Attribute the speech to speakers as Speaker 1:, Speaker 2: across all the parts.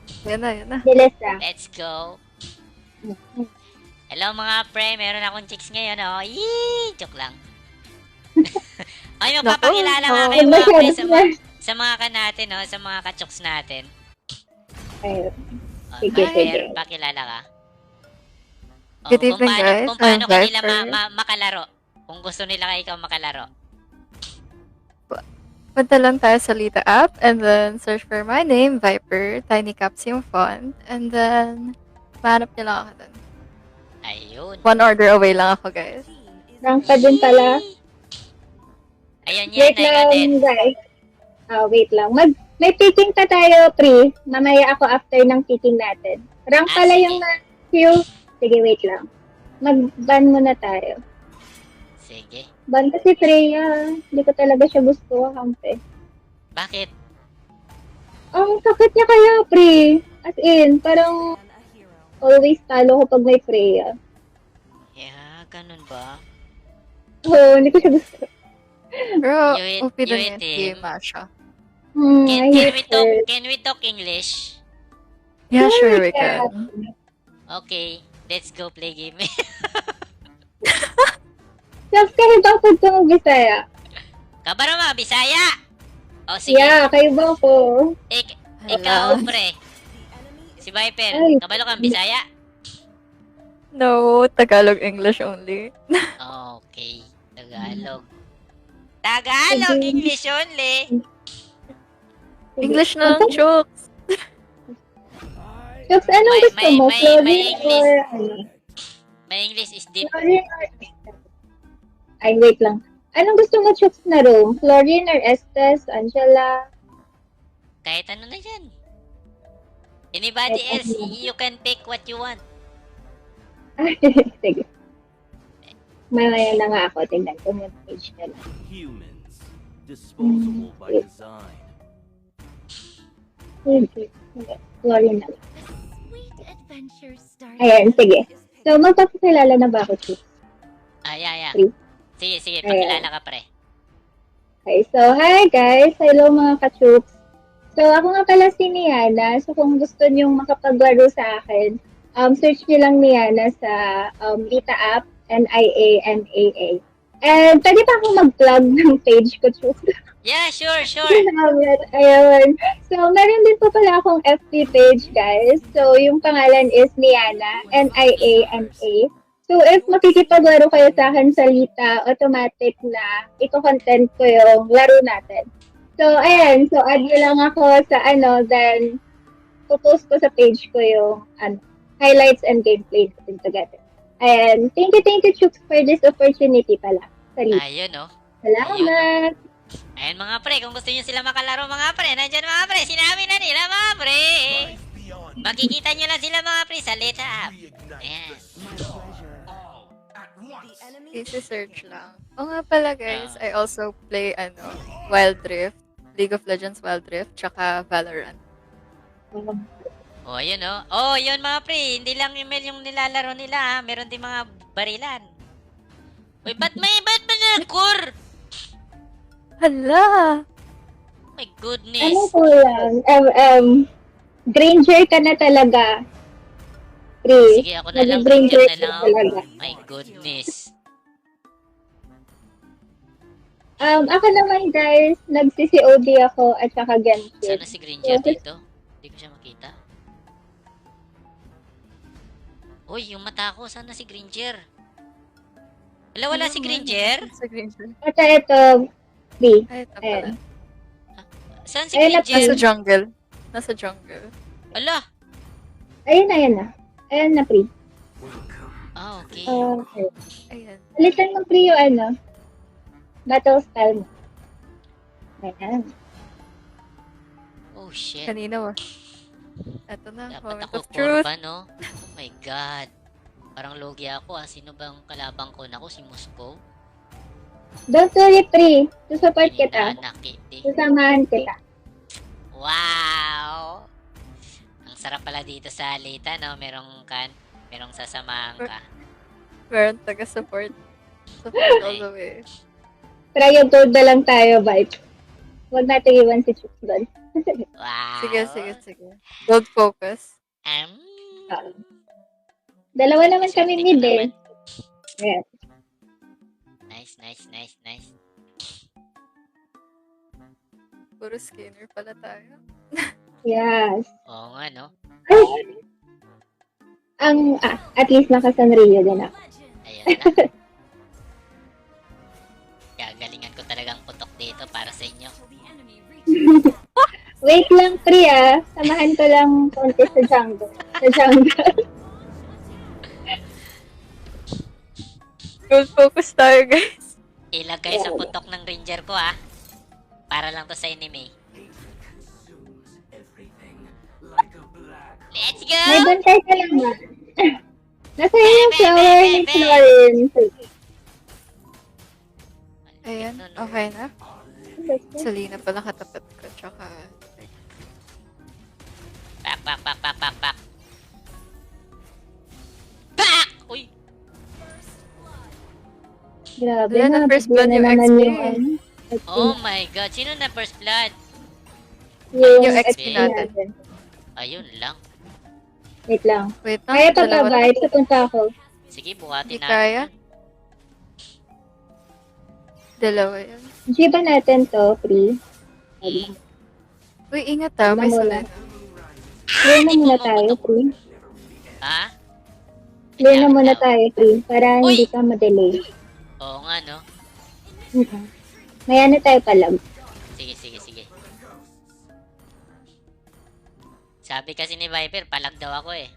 Speaker 1: Yan na, yan na.
Speaker 2: Bilis lang.
Speaker 3: Let's go. Hello mga pre, meron akong chicks ngayon, oh. Yee! Joke lang. Ay, magpapakilala nga kayo mga pre sa mga ka natin, oh. Sa mga ka-chooks natin.
Speaker 2: Ayun.
Speaker 3: Oh,
Speaker 2: Sige, sige.
Speaker 3: pakilala ka. Oh,
Speaker 1: Good
Speaker 3: kung
Speaker 1: evening,
Speaker 3: paano,
Speaker 1: guys.
Speaker 3: kung paano
Speaker 1: I'm
Speaker 3: kanila
Speaker 1: Viper.
Speaker 3: makalaro. Kung gusto nila kayo ikaw makalaro.
Speaker 1: Punta lang tayo sa Lita app and then search for my name, Viper, Tiny Caps yung font. And then, mahanap niyo lang ako dun.
Speaker 3: Ayun.
Speaker 1: 1 order away lang ako, guys.
Speaker 2: Rank pa din pala.
Speaker 3: Ayan yan,
Speaker 2: Wait
Speaker 3: I got it.
Speaker 2: lang, guys. Wait lang. May picking pa tayo, pre. Mamaya ako after ng picking natin. Rank pala
Speaker 3: sige.
Speaker 2: yung queue. Sige, wait lang. Mag-ban muna tayo.
Speaker 3: Sige.
Speaker 2: Ban kasi Freya. Hindi ko talaga siya gusto, kampe.
Speaker 3: Bakit?
Speaker 2: Ang sakit niya kaya, pre. As in, parang always talo ko pag may Freya.
Speaker 3: Yeah, ganun ba?
Speaker 2: Oo, hindi ko siya gusto.
Speaker 1: Pero,
Speaker 3: You hit-
Speaker 1: OP
Speaker 3: you
Speaker 1: dun
Speaker 3: hit
Speaker 1: yun.
Speaker 3: him.
Speaker 1: Game Masha.
Speaker 2: I hate her.
Speaker 3: Can we talk English?
Speaker 1: Yeah, sure we
Speaker 2: Yeah.
Speaker 1: can.
Speaker 3: Okay, let's go play game.
Speaker 2: Tapos kahit bakit ko mag-Bisaya.
Speaker 3: Kabaro mga Bisaya! O sige,
Speaker 2: Yeah, kayo ba ko?
Speaker 3: ikaw pre. Si Viper,
Speaker 2: Ay.
Speaker 3: kabalo kang Bisaya?
Speaker 1: No, Tagalog English only.
Speaker 3: Okay, Tagalog. Tagalog,
Speaker 2: Sige.
Speaker 3: English only.
Speaker 1: English na lang, jokes.
Speaker 2: Chooks, anong gusto mo?
Speaker 3: may
Speaker 2: Clothing
Speaker 3: English.
Speaker 2: or ano?
Speaker 3: My English is deep.
Speaker 2: Chlorine or... Ay, wait lang. Anong gusto mo, Chooks, na room? Chlorine or Estes? Angela?
Speaker 3: Kahit ano na yan. Anybody
Speaker 2: Kahit
Speaker 3: else,
Speaker 2: ano.
Speaker 3: you can pick what you want.
Speaker 2: Sige. Mamaya na nga ako. Tingnan ko yung page na lang.
Speaker 4: Humans, disposable by design.
Speaker 2: Sige. Chlorine na lang.
Speaker 5: Sweet adventure starts.
Speaker 2: Ayan, sige. So, magpapakilala na ba ako, Chooks?
Speaker 3: Yeah.
Speaker 2: Three.
Speaker 3: Sige, pakilala ka pre.
Speaker 2: Okay, so hi guys! Hello mga ka-chooks! So ako nga pala si Niana. So kung gusto nyong makapaglaro sa akin, search nyo lang Niana sa Lita app, Nianaa. And pwede pa akong mag-plug ng page ko, chooks.
Speaker 3: Yeah, sure.
Speaker 2: Ayun. So meron din po pala akong FB page, guys. So yung pangalan is Niana, Niana. So, if makikipaglaro kayo sa akin sa Lita, automatic na iko-content ko yung laro natin. So, ayan. So, add nyo lang ako sa then post ko sa page ko yung highlights and gameplay natin together. And thank you, Chooks, for this opportunity pala sa Lita.
Speaker 3: Ayun, oh.
Speaker 2: Salamat!
Speaker 3: Ayan mga pre, kung gusto nyo sila makalaro mga pre, nandyan mga pre, sinabi na nila mga pre. Makikita nyo lang sila mga pre sa Lita app. Ayan.
Speaker 1: Easy search lang. O nga pala, guys, I also play, Wild Rift. League of Legends Wild Rift, tsaka Valorant.
Speaker 3: Oh, ayun oh. Oh, yun mga pre, hindi lang email yung nilalaro nila ha. Meron din mga barilan. Uy, ba't core?
Speaker 1: Hala!
Speaker 3: My
Speaker 2: Ano
Speaker 3: goodness.
Speaker 2: po yan? Granger ka na talaga.
Speaker 3: Sige, ako na lang,
Speaker 2: Granger
Speaker 3: Ranger na lang ako.
Speaker 2: talaga.
Speaker 3: My goodness.
Speaker 2: Ako naman guys, nagsi-COD ako at saka Genshin.
Speaker 3: Sana si Granger dito. Hindi ko siya makita. Uy, yung mata ko, sana si Granger. Wala si Granger?
Speaker 1: Sa Granger.
Speaker 2: Ito, B.
Speaker 1: Ay, ito pala.
Speaker 2: Ayan.
Speaker 3: Saan si
Speaker 2: Ayun na,
Speaker 1: Nasa
Speaker 3: Granger?
Speaker 1: jungle. Nasa jungle.
Speaker 3: Ala.
Speaker 2: Ayun na. Ayun na, pre.
Speaker 3: Ah, okay.
Speaker 2: Okay.
Speaker 1: Ayan.
Speaker 2: Palitan mo, pre, yung battle style mo. Ayan.
Speaker 3: Oh, shit.
Speaker 1: Kanina mo. Ito na,
Speaker 3: Dapat
Speaker 1: moment
Speaker 3: ako
Speaker 1: of truth.
Speaker 3: korba, no? Oh my God. Parang logi ako ah. Sino bang kalabang ko? Naku, si Moscow?
Speaker 2: Don't worry, pre. Susupport kita.
Speaker 3: Nakit eh.
Speaker 2: Susamahan kita.
Speaker 3: Wow! Ang sarap pala dito sa Lita, no? Merong sasamahan ka.
Speaker 1: Meron taga-support. Support all the way.
Speaker 2: Try yung gold na lang tayo, vibe. Huwag natin iwan si Chooks doon.
Speaker 3: Wow.
Speaker 1: Sige. Gold focus.
Speaker 2: Dalawa naman kami
Speaker 3: Swerte
Speaker 2: mid
Speaker 3: ka
Speaker 2: eh.
Speaker 3: naman.
Speaker 2: Yes.
Speaker 3: Nice.
Speaker 1: Puro skinner pala tayo.
Speaker 2: Yes.
Speaker 3: Oo nga, no?
Speaker 2: At least naka-Sanrio din ako.
Speaker 3: Ayun na. Gagalingan ko talagang putok dito para sa inyo.
Speaker 2: Wait lang, Priya. Samahan ko lang konti sa jungle.
Speaker 1: Gold focus tayo, guys.
Speaker 3: Ilagay sa putok ng ranger ko, ha? Para lang to sa enemy. Let's go!
Speaker 2: May bantay ka lang ba? Nasa yung flower ni Florin.
Speaker 1: Ayan, okay na. Salina pala katapat ko, tsaka...
Speaker 3: Pak! Pak! Uy!
Speaker 2: Grabe
Speaker 1: Wala na
Speaker 2: na.
Speaker 1: first blood
Speaker 2: bigyan
Speaker 1: yung
Speaker 2: na naman
Speaker 1: XP.
Speaker 2: yung
Speaker 3: Oh my god, sino na first blood?
Speaker 1: Yung
Speaker 2: XP
Speaker 1: XP natin.
Speaker 3: Ayun lang.
Speaker 2: Wait lang.
Speaker 1: Wait lang,
Speaker 2: Kaya pa ba,
Speaker 1: dalawa na.
Speaker 2: Vibes? Papunta ako.
Speaker 3: Sige, buhatin
Speaker 1: Hindi
Speaker 3: natin.
Speaker 1: kaya. Dalawa yan.
Speaker 2: G ba natin to, Pri?
Speaker 1: Uy, ingat may
Speaker 2: Wala.
Speaker 1: Salina.
Speaker 2: Clear na muna tayo, Pri.
Speaker 3: Ha?
Speaker 2: Clear na muna tayo, Pri. Para
Speaker 3: Uy!
Speaker 2: hindi ka madelay.
Speaker 3: Oo nga, no?
Speaker 2: May ano tayo palag.
Speaker 3: Sige. Sabi kasi ni Viper, palag daw ako eh.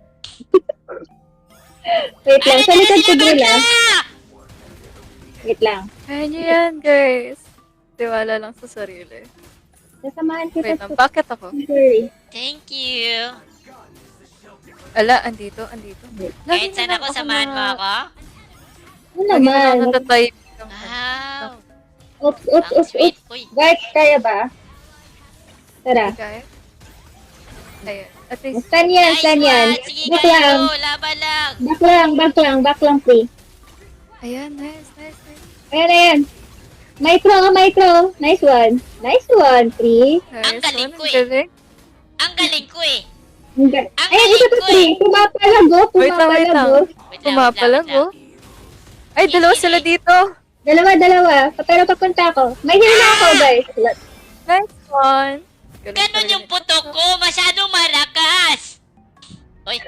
Speaker 2: Wait lang, sa likod ko drill ah. Wait lang.
Speaker 1: Kaya nyo yan, guys. Tiwala lang sa sarili.
Speaker 2: Nasamahan
Speaker 1: Wait
Speaker 2: kita
Speaker 1: lang, bakit ako?
Speaker 2: Sorry.
Speaker 3: Thank you.
Speaker 1: Ala, andito.
Speaker 3: Kahit saan ako, samahan mo ako?
Speaker 2: Ano
Speaker 1: Lagi na
Speaker 2: naman?
Speaker 1: lang natatay.
Speaker 3: Wow.
Speaker 2: Oops.
Speaker 3: Sweet. Uy,
Speaker 2: Vibes, kaya ba? Tara.
Speaker 1: Kaya? Ayan. At least,
Speaker 2: Stan yan.
Speaker 3: Sige
Speaker 2: Back
Speaker 3: kayo,
Speaker 2: lang.
Speaker 3: laban lang.
Speaker 2: Back lang, Pri.
Speaker 1: ayan, nice.
Speaker 2: Ayan. Micro. Nice one, Pri.
Speaker 3: Ang galing ko eh.
Speaker 1: Galing.
Speaker 3: Ang galing ko eh.
Speaker 2: Ayan, isa pa, Pri. Pumapalago.
Speaker 1: Wait lang.
Speaker 3: Wait lang.
Speaker 1: Pumapalag, oh. Ay, dalawa sila dito.
Speaker 2: Dalawa. Pero papunta ako. May heal na ako, guys.
Speaker 1: Nice one.
Speaker 3: Ganon yung putok ko, masyadong malakas. Hoy.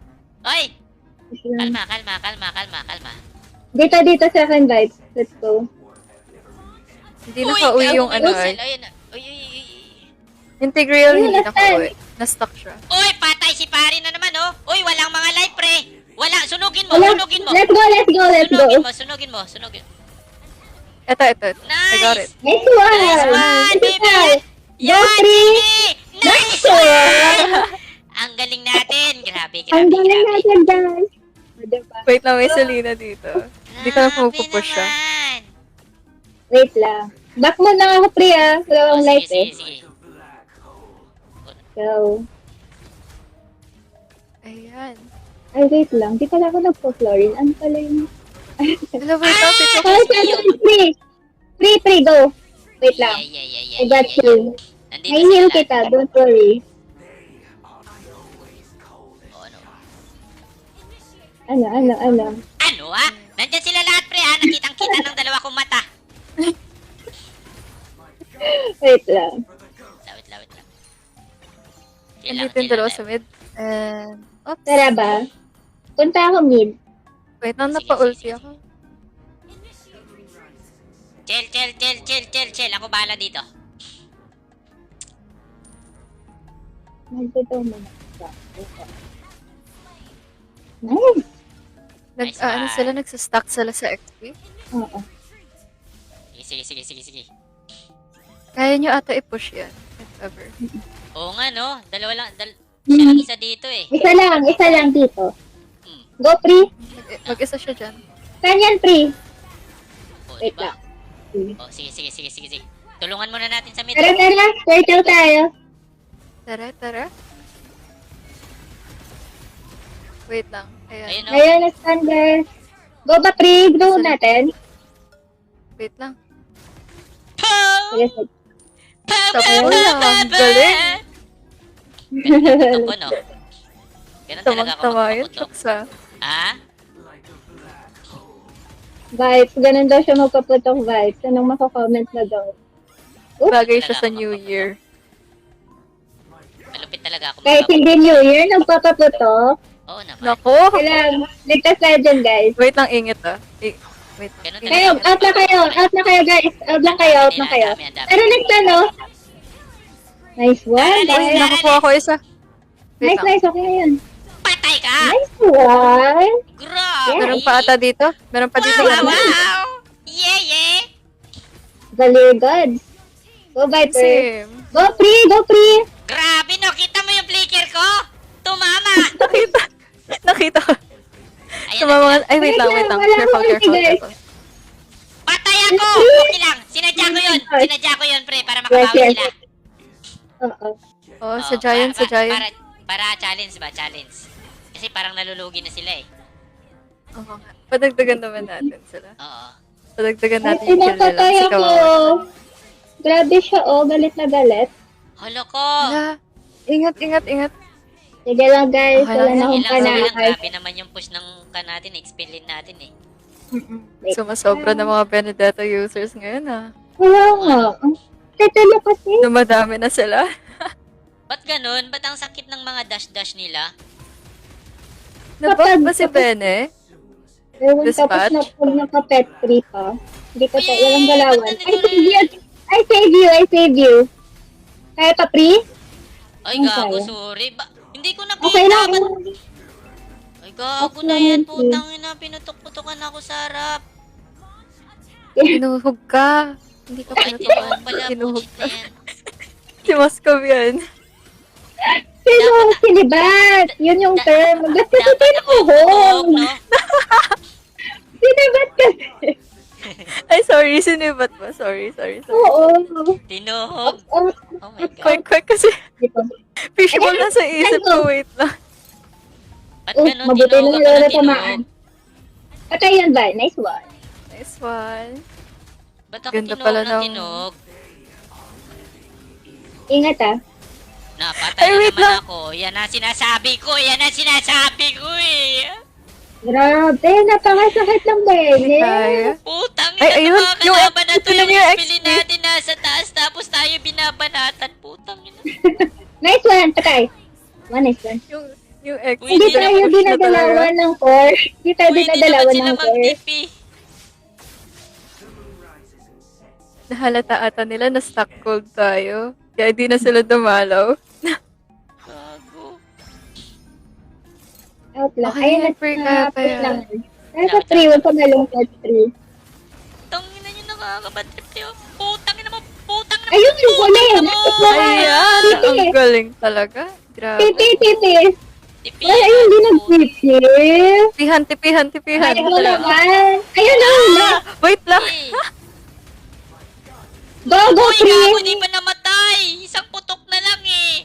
Speaker 3: Kalma.
Speaker 2: Dito sa akin, Vibes. Let's go.
Speaker 1: Hindi nakauwi yung ano ay.
Speaker 3: Ayun. Uy.
Speaker 1: Integral
Speaker 2: Ayun,
Speaker 1: hindi
Speaker 2: nasaan?
Speaker 1: nakauwi. Na-stuck siya.
Speaker 3: Uy, patay si pare na naman, oh. Uy, walang mga life, pre. Wala, sunugin mo.
Speaker 2: Let's go.
Speaker 3: Sunugin mo.
Speaker 1: Ito.
Speaker 3: Nice.
Speaker 1: I got it.
Speaker 2: Nice one.
Speaker 3: Nice one, baby.
Speaker 2: Go,
Speaker 3: Yan,
Speaker 2: Pri.
Speaker 3: sige. Nice one. Ang galing natin. Grabe.
Speaker 2: Ang galing natin, guys. O, diba?
Speaker 1: Wait lang, may Selena dito. Hindi ka na
Speaker 3: Grabe
Speaker 1: pupupush siya.
Speaker 3: naman.
Speaker 2: Wait lang. Back mo na ako, Pri, ah. Wala akong life, eh.
Speaker 3: Sige.
Speaker 2: So,
Speaker 1: Ayan.
Speaker 2: ay, wait lang. Di pala ako nagpo-Florin. Ano pala yung...
Speaker 1: Hello, wait lang.
Speaker 2: Pri, go. Wait lang. I got you.
Speaker 3: Nandito
Speaker 2: May heal
Speaker 3: sila.
Speaker 2: kita. Don't worry.
Speaker 3: Oh, ano?
Speaker 2: Ano?
Speaker 3: Ano ah? Nandyan sila lahat, pre, ah. Nakitang-kita ng dalawa kong mata.
Speaker 2: Wait lang.
Speaker 3: Lawit lang.
Speaker 1: Andito yung dalawa sa mid. And, oops.
Speaker 2: Tara ba? Punta ako mid.
Speaker 1: Wait lang,
Speaker 3: Sige,
Speaker 1: napa-ulti
Speaker 3: sige.
Speaker 1: ako.
Speaker 3: Chill. Ako bahala dito.
Speaker 2: Nandito muna. Nice.
Speaker 3: Nice
Speaker 1: Ano
Speaker 3: one.
Speaker 1: sila, nagsastack sila sa XP.
Speaker 2: Oo.
Speaker 3: Sige.
Speaker 1: Kaya nyo ata i-push yan. If ever.
Speaker 3: Oo nga, no? Dalawa lang. Siya lang isa dito eh.
Speaker 2: Isa lang dito.
Speaker 3: Hmm.
Speaker 2: Go, Pri.
Speaker 1: Mag-isa siya dyan.
Speaker 2: Saan yan, Pri?
Speaker 3: Oh,
Speaker 2: Wait
Speaker 3: diba?
Speaker 2: lang.
Speaker 3: Oh, sige. Tulungan muna natin sa mid.
Speaker 2: Tara. Turtle tayo.
Speaker 1: Tara. Wait lang. Ayan.
Speaker 3: Ayun, no?
Speaker 2: Ngayon, standard. Go ba, Pri? Go natin.
Speaker 1: Wait lang.
Speaker 3: Pow!
Speaker 2: Sige.
Speaker 1: Tapo lang. Ang galing.
Speaker 3: Ako, no? Ganun talaga ako
Speaker 1: Tamang-tama yun,
Speaker 3: magpaputok.
Speaker 1: Choksa.
Speaker 3: Ah?
Speaker 2: Vibes, ganun daw siya magpaputok vibes. Anong mako-comment na daw?
Speaker 1: Bagay siya
Speaker 3: Talaga
Speaker 1: sa
Speaker 3: ako
Speaker 1: New
Speaker 3: magpaputok.
Speaker 1: Year.
Speaker 3: Malupit talaga ako
Speaker 2: Kahit
Speaker 3: magpaputok.
Speaker 2: hindi New Year, nagpapaputok.
Speaker 3: Oo naman.
Speaker 1: Nako!
Speaker 2: Kailangan, ligtas tayo dyan, guys.
Speaker 1: Wait lang, ingit ah. Wait.
Speaker 3: Ganun
Speaker 1: Ingit.
Speaker 2: Kayo, out na kayo, guys. Out lang kayo, out na kayo.
Speaker 3: Ang dami.
Speaker 2: Pero next ano? Nice one,
Speaker 1: Ay,
Speaker 2: guys.
Speaker 1: nakakuha ko isa. Wait
Speaker 2: Nice,
Speaker 1: lang.
Speaker 2: nice, okay na yun.
Speaker 3: Patay ka!
Speaker 2: Nice one.
Speaker 3: Grabe!
Speaker 1: Meron pa ata dito. Meron pa dito.
Speaker 3: Wow, wow! Yeah, yeah!
Speaker 2: Very good. Go, Viper.
Speaker 1: Same.
Speaker 2: Go, Free, go, Free.
Speaker 3: Grabe, no? Kita mo yung flicker ko? Tumama!
Speaker 1: Nakita ko.
Speaker 3: Ayan
Speaker 1: Sa
Speaker 3: na
Speaker 1: mga...
Speaker 3: sila.
Speaker 1: Ay, wait lang, wait lang.
Speaker 2: Wala
Speaker 1: Careful,
Speaker 2: akong
Speaker 1: careful,
Speaker 2: ulti, guys.
Speaker 1: careful.
Speaker 3: Patay ako! Okay lang. Sinadya ko yun. Sinadya ko yun, pre, para
Speaker 2: Yes,
Speaker 3: makabawi
Speaker 2: yes.
Speaker 3: sila.
Speaker 2: Oo.
Speaker 1: Oh, sa
Speaker 3: Oo,
Speaker 1: Giant, sa Giant.
Speaker 3: Para challenge ba? Challenge. Kasi parang nalulugi na sila eh.
Speaker 1: Oo nga. Padagdagan naman natin sila.
Speaker 3: Oo.
Speaker 1: Padagdagan
Speaker 2: Ay,
Speaker 1: natin yung kill nila.
Speaker 2: pinapatay
Speaker 1: Kasi
Speaker 2: ako.
Speaker 1: kawawa.
Speaker 2: Grabe siya, oh. Galit na galit.
Speaker 3: Hala ko!
Speaker 1: Hala. Ingat, ingat, ingat.
Speaker 2: Sige lang, guys.
Speaker 1: Okay
Speaker 2: Wala
Speaker 1: lang
Speaker 2: na
Speaker 1: yan.
Speaker 2: akong
Speaker 3: Ilang sige lang,
Speaker 2: panakay.
Speaker 3: grabe naman yung push ng natin, expelin natin eh.
Speaker 2: Wait.
Speaker 1: Sumasobra ng mga Benedetto users ngayon ah.
Speaker 2: Wala nga. Tetalo kasi.
Speaker 1: Dumadami na sila.
Speaker 3: Ba't ganun? Ba't ang sakit ng mga dash-dash nila?
Speaker 1: Nabak ba si Bene?
Speaker 2: Ewan, tapos
Speaker 1: Dispatch?
Speaker 2: na pag naka-pet free pa. Hindi ko sa
Speaker 3: Uy,
Speaker 2: walang galawan.
Speaker 3: ba't
Speaker 2: I save you! I save you! I save you! Kaya pa, Pri?
Speaker 3: Ay,
Speaker 2: Ang
Speaker 3: gago,
Speaker 2: kaya.
Speaker 3: sorry. Hindi ko nakita.
Speaker 2: Okay lang.
Speaker 3: Ba't- Ay, gago
Speaker 2: Okay
Speaker 3: na
Speaker 2: lang
Speaker 3: yan.
Speaker 2: yan,
Speaker 3: Putang ina, pinutok-putokan ako sa harap.
Speaker 1: Tinuhog ka. Hindi ka
Speaker 3: Ay, tinuhog
Speaker 1: pinatukan.
Speaker 3: pala.
Speaker 1: Tinuhog
Speaker 3: Bullshit
Speaker 1: ka.
Speaker 3: na yan.
Speaker 1: Si Moscow yan.
Speaker 2: Sino? Sinibat! Yun yung term. Ba't kasi
Speaker 3: Dapat ako yung tutok,
Speaker 2: tinuhog?
Speaker 3: no?
Speaker 2: Sinibat kasi.
Speaker 1: Ay, sorry. Sinibat ba? Sorry.
Speaker 2: Oo.
Speaker 3: Tinuhog.
Speaker 2: Oh,
Speaker 3: Oh my God.
Speaker 1: Quick kasi
Speaker 2: dito.
Speaker 1: fishball na sa isip ko. Wait lang.
Speaker 3: Ba't
Speaker 2: Oh,
Speaker 3: ganun?
Speaker 2: mabuti
Speaker 3: Tinuhog
Speaker 2: na
Speaker 3: ako
Speaker 2: wala
Speaker 3: ng
Speaker 2: tamaan.
Speaker 3: tinuhog.
Speaker 2: Patay yan ba? Nice one.
Speaker 1: Nice one.
Speaker 3: Ba't ako
Speaker 1: Ganda
Speaker 3: tinuhog
Speaker 1: pala
Speaker 3: ng
Speaker 1: ng-
Speaker 3: tinuhog?
Speaker 2: Ingat ah.
Speaker 3: Napatay
Speaker 1: Ay,
Speaker 3: na
Speaker 1: wait
Speaker 3: naman
Speaker 1: lang.
Speaker 3: ako. Yan ang sinasabi ko. Yan ang sinasabi ko eh.
Speaker 2: Grabe, napakasakit ng bene.
Speaker 1: Kaya.
Speaker 3: Putang
Speaker 1: Ay,
Speaker 3: ina,
Speaker 1: ayun,
Speaker 3: mga
Speaker 1: yung
Speaker 3: kalaban na to.
Speaker 1: ito na
Speaker 3: Yung
Speaker 1: yung
Speaker 3: expili
Speaker 1: XP.
Speaker 3: natin nasa taas. Tapos tayo binabanatan. Putang ina.
Speaker 2: Nice one, patay. One nice one.
Speaker 1: Yung ex.
Speaker 3: Uy,
Speaker 2: Hindi
Speaker 3: Hindi na
Speaker 2: tayo
Speaker 1: push na
Speaker 2: dinadalawan ng core. Hindi tayo
Speaker 3: Pwede naman
Speaker 2: dinadalawan
Speaker 3: sila
Speaker 2: ng core.
Speaker 3: mag-TP.
Speaker 1: Nahalata ata nila na stuck cold tayo. Kaya di na sila dumalaw.
Speaker 3: Gago.
Speaker 2: Out lang.
Speaker 1: Okay,
Speaker 2: Ayun,
Speaker 1: free ka pa
Speaker 2: push
Speaker 1: yan.
Speaker 2: lang. Kaya sa 3, huwag ka malungkot 3.
Speaker 3: Tangina nyo, nakakabatrip kayo. Putang ina mo. Putang ina mo.
Speaker 2: Ayun, yung huli.
Speaker 3: Putang ina mo.
Speaker 1: Ayan!
Speaker 2: Tipi.
Speaker 1: Ang galing talaga. Grabe.
Speaker 2: Tipi.
Speaker 3: Tipi.
Speaker 2: Ay, ayun, di nag-tipi.
Speaker 1: Tipihan.
Speaker 2: Ay, mo naman. Ayun na, wala.
Speaker 1: Wait lang.
Speaker 2: Go, go,
Speaker 3: Uy, gago,
Speaker 2: 3.
Speaker 3: di pa namatay. Isang putok na lang eh.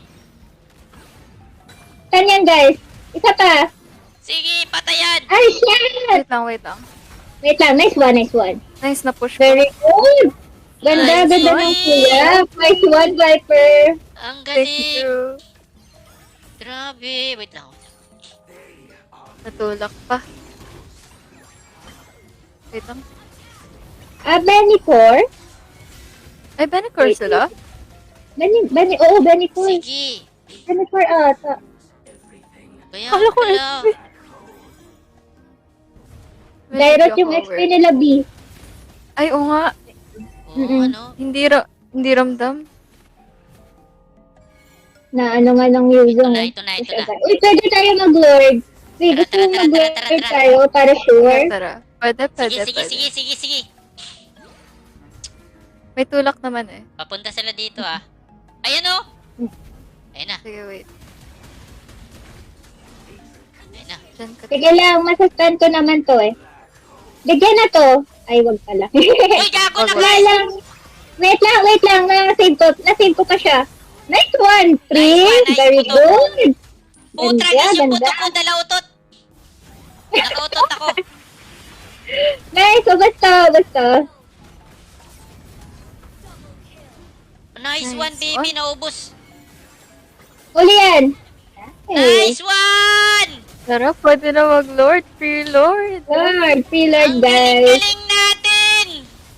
Speaker 2: Saan yan, guys? Isa pa.
Speaker 3: Sige, patayan.
Speaker 2: Ay, shit.
Speaker 1: Wait lang.
Speaker 2: Wait lang, nice one.
Speaker 1: Nice na push ko.
Speaker 2: Very good. Ganda,
Speaker 3: Nice
Speaker 2: ganda
Speaker 3: one.
Speaker 2: ng kuya. Nice one, Viper.
Speaker 3: Ang
Speaker 1: Thank
Speaker 3: galing.
Speaker 1: you.
Speaker 3: Grabe. Wait lang.
Speaker 1: Natulak pa. Wait lang.
Speaker 2: Benicor?
Speaker 1: Ay, Benicor sila?
Speaker 2: Oo, Benicor.
Speaker 3: Sige.
Speaker 2: Benicor ata.
Speaker 3: Kaya
Speaker 1: Kala ko
Speaker 3: pala.
Speaker 1: XP.
Speaker 2: Direct yung XP nila, B.
Speaker 1: Ay, oo nga.
Speaker 3: Oo, ano?
Speaker 1: Hindi ramdam.
Speaker 2: Na ano nga ng using.
Speaker 3: Ito na.
Speaker 2: Uy, pwede tayo mag-lord. Uy, gusto mo
Speaker 3: Tara.
Speaker 2: mag-lord tayo para sure?
Speaker 1: Tara. Pwede.
Speaker 3: Sige.
Speaker 1: May tulak naman eh.
Speaker 3: Papunta sila dito ah. Ayan o. Ayan na.
Speaker 1: Sige, wait.
Speaker 3: Ayan na.
Speaker 1: Diyan ka.
Speaker 2: Sige lang, masastan ko naman to eh. Bigyan na to. Ay, wag pala.
Speaker 3: Uy, gago na
Speaker 2: Wala
Speaker 3: guys.
Speaker 2: lang. Wait lang. Nasave ko pa siya. Nice one,
Speaker 3: Nice
Speaker 2: Prince.
Speaker 3: one, nice
Speaker 2: Very
Speaker 3: putok.
Speaker 2: good.
Speaker 3: Putragis yung
Speaker 2: Ganda.
Speaker 3: putok ko, dalautot. Nakautot ako.
Speaker 2: Nice, basta.
Speaker 3: Ano Nice
Speaker 1: Nice
Speaker 3: one, baby.
Speaker 1: one.
Speaker 3: Naubos.
Speaker 2: Uli yan.
Speaker 3: Nice one!
Speaker 1: Tara, pwede na mag-Lord. Free Lord.
Speaker 2: Lord, free Lord,
Speaker 3: Ang
Speaker 2: guys.
Speaker 3: galing-galing natin!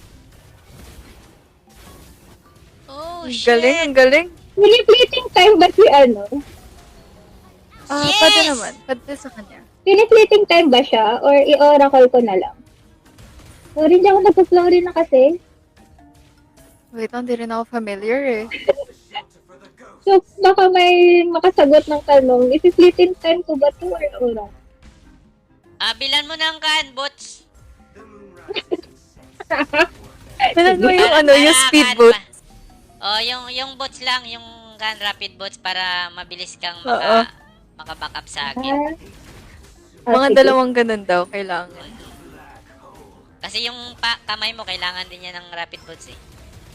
Speaker 3: Oh,
Speaker 1: Ang
Speaker 3: shit.
Speaker 1: galing, ang galing.
Speaker 2: Pinipleting time ba si ano?
Speaker 1: Ah,
Speaker 3: Yes!
Speaker 1: pwede naman. Pwede sa kanya.
Speaker 2: Pinipleting time ba siya? Or i-oracle ko na lang? Sorry, hindi ako nagpa-flory na kasi.
Speaker 1: Wait, hindi rin ako familiar eh.
Speaker 2: So, baka may makasagot ng tanong, isi-fleeting time ko ba to or oras?
Speaker 3: Bilan mo ng kan, bots.
Speaker 1: Kailan mo yung
Speaker 3: Para-
Speaker 1: ano, yung
Speaker 3: para
Speaker 1: speed
Speaker 3: kan
Speaker 1: boot?
Speaker 3: pa. Oh, yung bots lang, yung kan rapid bots para mabilis kang
Speaker 1: Oo.
Speaker 3: maka-back up sa akin.
Speaker 1: Mga
Speaker 2: sige.
Speaker 1: dalawang ganun daw, kailangan.
Speaker 3: Kasi yung kamay mo, kailangan din yan ng rapid bots eh.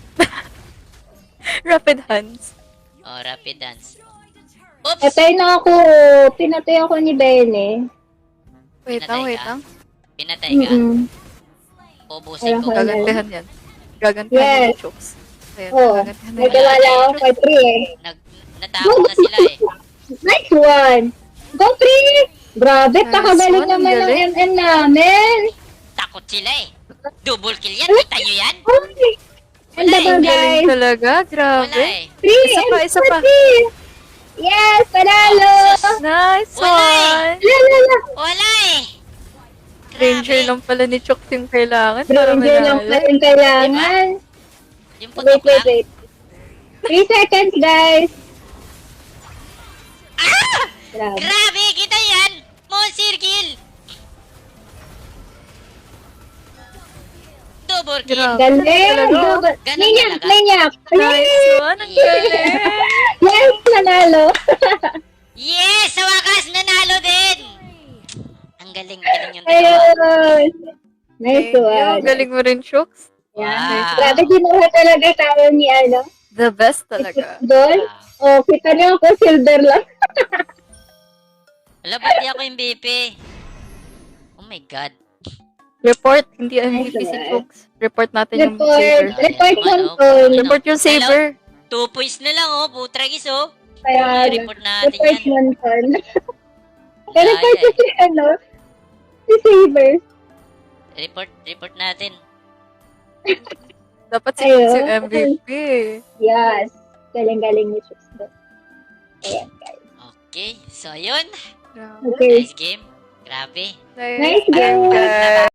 Speaker 1: Rapid hands.
Speaker 3: Oh, rapid dance. Oops!
Speaker 2: Patay na ako. Pinatay ako ni Bene.
Speaker 1: Wait lang, wait lang.
Speaker 3: Pinatay ka. Ubusin ko.
Speaker 2: Wala ka.
Speaker 1: Gagantihan yan. Gagantihan
Speaker 2: Yes.
Speaker 1: ni Chooks. Ayan,
Speaker 2: Oo.
Speaker 1: gagantihan
Speaker 2: May
Speaker 1: na
Speaker 2: tiwala ako kay Pri eh.
Speaker 3: Natapon na sila eh.
Speaker 2: Nice one! Go Pri! Grabe,
Speaker 1: Nice
Speaker 2: pakagaling
Speaker 1: one,
Speaker 2: naman ng
Speaker 1: galing.
Speaker 2: MN namin.
Speaker 3: Takot sila eh. Double kill yan. Kita nyo yan?
Speaker 2: Ay! Ang
Speaker 3: Wala eh.
Speaker 2: daba
Speaker 1: Ang galing
Speaker 2: guys.
Speaker 1: talaga,
Speaker 3: Wala
Speaker 1: grabe.
Speaker 3: eh.
Speaker 2: Pri!
Speaker 1: Isa pa.
Speaker 2: Yes! Panalo!
Speaker 1: Nice
Speaker 3: Wala
Speaker 1: one!
Speaker 2: Lala!
Speaker 3: Wala eh.
Speaker 1: Ranger
Speaker 3: Grabe.
Speaker 1: lang pala ni Chooks yung kailangan para
Speaker 2: Ranger lang
Speaker 1: manalo.
Speaker 2: pa yung kailangan.
Speaker 3: Yung putok
Speaker 2: Wait, wait,
Speaker 3: lang.
Speaker 2: wait. 3 seconds, guys. Grabe.
Speaker 3: Grabe, kita yan. Monster kill. Double kill.
Speaker 1: Grabe.
Speaker 2: Galing!
Speaker 1: Talaga?
Speaker 3: Ganun
Speaker 2: Minyak!
Speaker 3: talaga?
Speaker 2: Minyak!
Speaker 1: Nice one! Ang galing!
Speaker 2: Yes! Nanalo!
Speaker 3: Yes! Sa wakas, nanalo din! Ang galing yung dalawa.
Speaker 2: Ayun! Nice
Speaker 1: Thank you.
Speaker 2: one.
Speaker 1: Galing mo rin, Chooks.
Speaker 3: Wow.
Speaker 2: Grabe, kinuha talaga tayo ni ano.
Speaker 1: The best talaga.
Speaker 2: Doon.
Speaker 3: Wow.
Speaker 2: Oh, kita niyo ako, silver lang.
Speaker 3: Wala, ba't di ako yung BP? Oh my God.
Speaker 1: Report, hindi MVP si
Speaker 2: one.
Speaker 1: Chooks. Report natin yung
Speaker 2: Report.
Speaker 1: saver.
Speaker 2: Report
Speaker 3: Ano?
Speaker 2: control.
Speaker 3: Ano?
Speaker 1: Report yung saver.
Speaker 3: 2 points na lang oh, putragis oh.
Speaker 2: Kaya,
Speaker 3: I-report natin
Speaker 2: report
Speaker 3: yan.
Speaker 2: control. Pero
Speaker 3: Kaya,
Speaker 2: report ko si ano, si Saber.
Speaker 3: Report natin.
Speaker 1: Dapat si
Speaker 2: Ayun.
Speaker 1: Chooks yung MVP.
Speaker 2: Yes. Galing-galing ni Chooks doon. Ayan, guys.
Speaker 3: Okay, so yun.
Speaker 1: Grabe.
Speaker 2: Okay.
Speaker 3: Nice game. Grabe.
Speaker 2: Nice game.
Speaker 1: Ayan, guys.